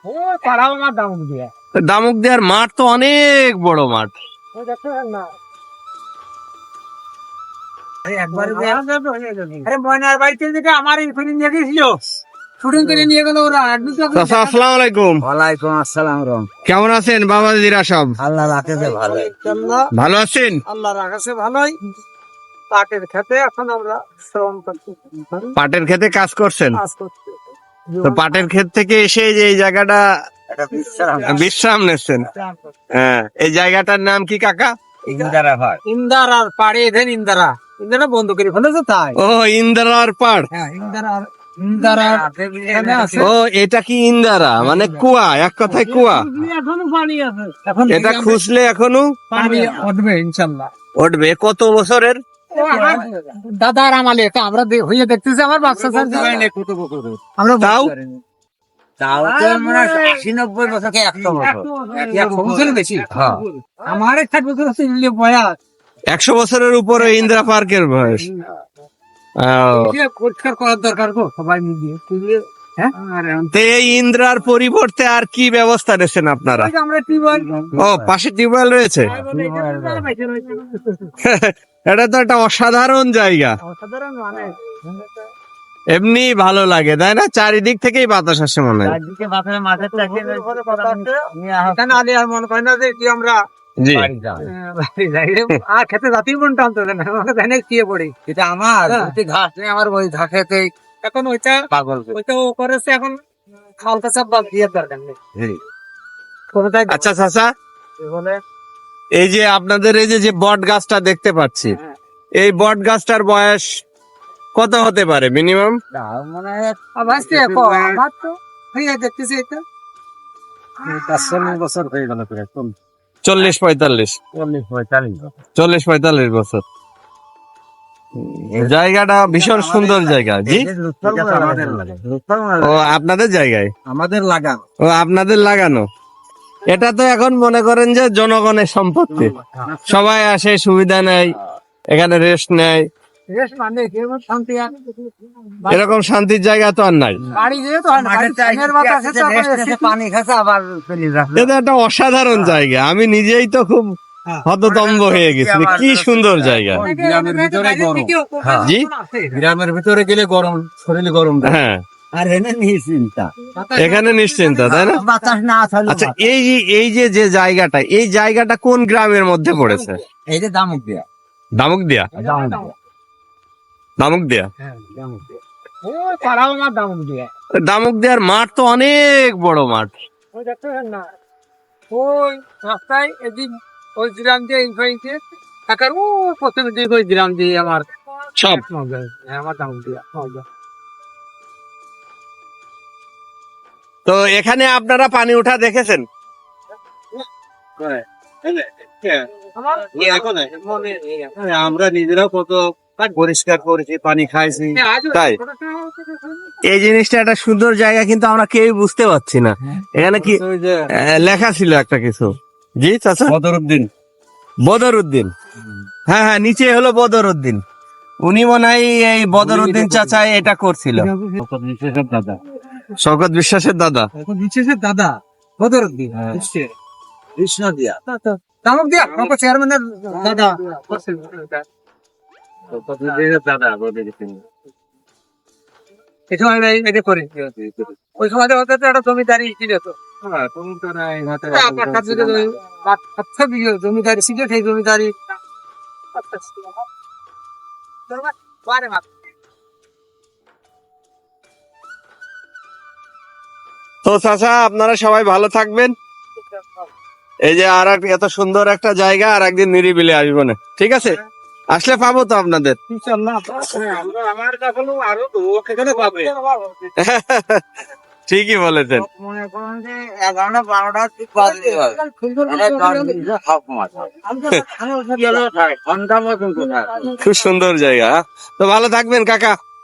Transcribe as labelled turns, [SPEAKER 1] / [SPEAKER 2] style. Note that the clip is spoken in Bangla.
[SPEAKER 1] দামুক দেওয়ার মাঠ তো অনেক বড় মাঠ।
[SPEAKER 2] ময়নার বাড়িতে যেটা আমার নিয়ে গেছিল শুটিং করে নিয়ে গেল ওরা।
[SPEAKER 1] আসসালামু আলাইকুম।
[SPEAKER 2] ওয়ালাইকুম আসসালাম।
[SPEAKER 1] কেমন আছেন বাবাজিরা সব?
[SPEAKER 2] আল্লাহ রাখেছে ভালো।
[SPEAKER 1] ভালো আছেন?
[SPEAKER 2] আল্লাহ রাখেছে ভালোই। পাটের খেতে এখন আমরা শ্রম করছি।
[SPEAKER 1] পাটের খেতে কাজ করছেন?
[SPEAKER 2] কাজ করছি।
[SPEAKER 1] তো পাটের ক্ষেত থেকে এসে যে এই জায়গাটা বিশ্রাম নিচ্ছেন, হ্যাঁ, এই জায়গাটার নাম কি কাকা?
[SPEAKER 2] ইন্দারা ভাই। ইন্দারার পাড়ে এখানে ইন্দারা বন্ধ করে ফেলেছে তাই।
[SPEAKER 1] ও ইন্দারার পাড়।
[SPEAKER 2] হ্যাঁ ইন্দারা এখানে আছে।
[SPEAKER 1] ও এটা কি ইন্দারা মানে কুয়া, এক কথায় কুয়া।
[SPEAKER 2] এখনো পানি আছে। এখন
[SPEAKER 1] এটা খুঁজলে এখনো
[SPEAKER 2] পানি উঠবে ইনশাআল্লাহ।
[SPEAKER 1] উঠবে। কত বছরের?
[SPEAKER 2] দাদার আমালে এটা আমরা হইয়ে দেখতেছি। আমার বাচ্চা আমরা
[SPEAKER 1] তাও
[SPEAKER 2] বেশি। আমার 60 বছর আছে বয়স।
[SPEAKER 1] 100 বছরের উপরে ইন্দিরা পার্কের বয়স।
[SPEAKER 2] পরিষ্কার করার দরকার গো সবাই মিলিয়ে।
[SPEAKER 1] তো এই ইন্দ্রার পরিবর্তে আর কি ব্যবস্থা নিয়েছেন আপনারা?
[SPEAKER 2] আমরা টিউবওয়েল।
[SPEAKER 1] ও পাশে টিউবওয়েল রয়েছে। এটা তো একটা অসাধারণ জায়গা।
[SPEAKER 2] অসাধারণ মানে
[SPEAKER 1] এমনি ভালো লাগে তাই না? চারিদিক থেকেই বাতাস আসে মনে হয়।
[SPEAKER 2] আর মনে হয় না যে কি আমরা
[SPEAKER 1] জি
[SPEAKER 2] আর খেতে জাতির মন টানতো না, খেয়ে পড়ি। এটা আমার ঘাস নেই, আমার ওই ঘাস খেতে এখন ওইটা পাগল, ওইটা ও করেছে। এখন খালতা চাপ বাদ দিয়ে দরকার নেই।
[SPEAKER 1] আচ্ছা চাচা, এই যে আপনাদের এই যে বট গাছটা দেখতে পাচ্ছি, এই বট গাছটার বয়স কত হতে পারে মিনিমাম?
[SPEAKER 2] মানে দেখতেছি এটা 40 বছর হয়ে গেল।
[SPEAKER 1] 40-45 বছর। জায়গাটা ভীষণ সুন্দর জায়গা। জি, ও আপনাদের জায়গায়
[SPEAKER 2] আমাদের লাগানো।
[SPEAKER 1] ও আপনাদের লাগানো। এটা তো এখন মনে করেন যে জনগণের সম্পত্তি, সবাই আসে, সুবিধা নেয়, এখানে রেস্ট নেয়। এরকম শান্তির জায়গা তো আর নাই। এটা একটা অসাধারণ জায়গা। আমি নিজেই তো খুব হততম্ব হয়ে গেছি। কি সুন্দর জায়গা।
[SPEAKER 2] গ্রামের ভিতরে গরম।
[SPEAKER 1] জি,
[SPEAKER 2] গ্রামের ভিতরে গেলে গরম, শরীরে গরম।
[SPEAKER 1] হ্যাঁ,
[SPEAKER 2] আর
[SPEAKER 1] এখানে নিশ্চিন্তা, তাই না? আচ্ছা, এই যে জায়গাটা, এই জায়গাটা কোন গ্রামের মধ্যে পড়েছে?
[SPEAKER 2] এই যে দামুক দিয়া।
[SPEAKER 1] দামুক দিয়া। দামুক দিয়া। দামুক দেওয়ার মাঠ তো অনেক বড় মাঠ।
[SPEAKER 2] ওই রাস্তায় এদিক ওই গ্রাম দিয়ে টাকার ও প্রথম দিক ওই গ্রাম দিয়ে আমার
[SPEAKER 1] সব
[SPEAKER 2] আমার দামুক দিয়া।
[SPEAKER 1] তো এখানে আপনারা পানি ওঠা দেখেছেন?
[SPEAKER 2] আমরা নিজেরাও কত পরিষ্কার করেছি, পানি খাইছি।
[SPEAKER 1] তাই এই জিনিসটা একটা সুন্দর জায়গা, কিন্তু আমরা কেউ বুঝতে পারছি না। এখানে কি লেখা ছিল একটা কিছু? জি চাচা,
[SPEAKER 2] বদরউদ্দিন।
[SPEAKER 1] বদরউদ্দিন, হ্যাঁ হ্যাঁ, নিচে হলো বদরউদ্দিন। উনি মনে হয় এই বদরউদ্দিন চাচা এটা করছিল।
[SPEAKER 2] দাদা
[SPEAKER 1] শওকত বিশ্বাসের দাদা।
[SPEAKER 2] দাদা বদরউদ্দিন কৃষ্ণ দিয়া দামুক দিয়া চেয়ারম্যানের দাদা। এটা করে ওই সময় একটা জমিদারি ছিল তো, জমিদারি ছিল। সেই জমিদারি
[SPEAKER 1] তো চাচা, আপনারা সবাই ভালো থাকবেন। এই যে আর এত সুন্দর একটা জায়গা, আর একদিন নিরিবিলি আসবো না, ঠিক আছে? আসলে পাবো তো আপনাদের। ঠিকই বলেছেন।
[SPEAKER 2] মনে করেন যে 11-12টা
[SPEAKER 1] খুব সুন্দর জায়গা। তো ভালো থাকবেন কাকা।